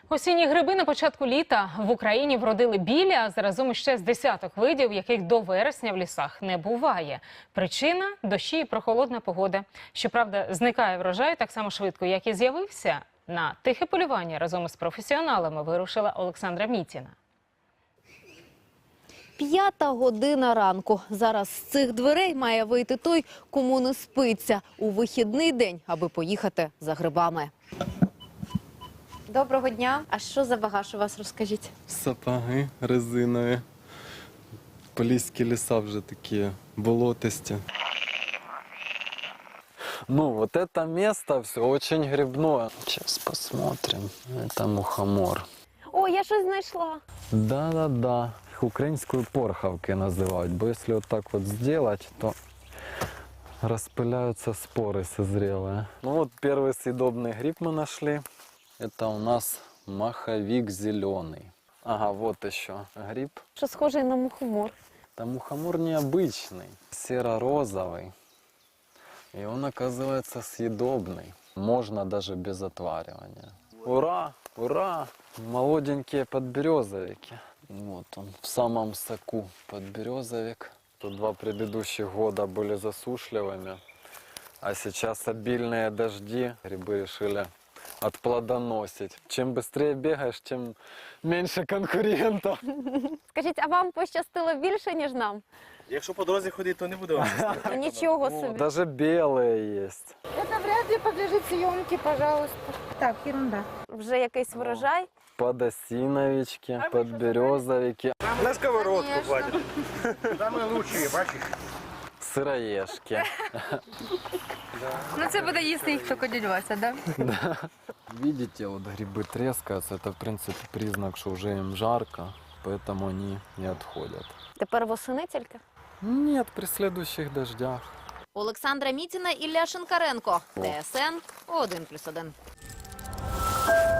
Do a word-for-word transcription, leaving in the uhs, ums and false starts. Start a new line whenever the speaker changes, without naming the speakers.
Осінні гриби на початку літа в Україні вродили білі, а заразом іще з десяток видів, яких до вересня в лісах не буває. Причина – дощі і прохолодна погода. Щоправда, зникає врожай так само швидко, як і з'явився. На тихе полювання разом із професіоналами вирушила Олександра Мітіна.
П'ята година ранку. Зараз з цих дверей має вийти той, кому не спиться у вихідний день, аби поїхати за грибами. Доброго дня. А що за багаж у вас, розкажіть?
Сапоги резинові. Поліські ліса вже такі болотисті. Ну, вот это место все очень грибное. Сейчас посмотрим. Это мухомор.
О, я щось знайшла.
Да-да-да. Их украинскую порховки называют. Бо если вот так вот сделать, то распыляются споры созрелые. Ну вот первый съедобный гриб мы нашли. Это у нас маховик зеленый. Ага, вот еще гриб.
Що схожий на мухомор.
Там мухомор необычный, серо-розовый. И он, оказывается, съедобный. Можно даже без отваривания. Ура! Ура! Молоденькие подберезовики. Вот он, в самом соку подберезовик. Тут два предыдущих года были засушливыми. А сейчас обильные дожди. Грибы решили отплодоносить. Чем быстрее бегаешь, тем меньше конкурентов.
Скажіть, а вам пощастило більше, ніж нам?
Якщо по дорозі ходити, то не буде вам щастити.
Ну, нічого
О,
собі.
даже белые есть.
Это вряд ли подлежит съемке, пожалуйста. Так, ерунда.
Вже якийсь врожай.
Подосиновички, подберезовики,
На сковородку
Конечно.
хватит. Самые лучшие, бачиш?
сыроежки.
Ну це буде їсти їх тільки дядь Вася, да?
Видите, вот грибы трескаются. Это, в принципе, признак, что уже им жарко, поэтому они не отходят.
Тепер восени тільки?
Нет, при следующих дождях.
Олександра Мітіна, Ілля Шинкаренко. ТСН один плюс один.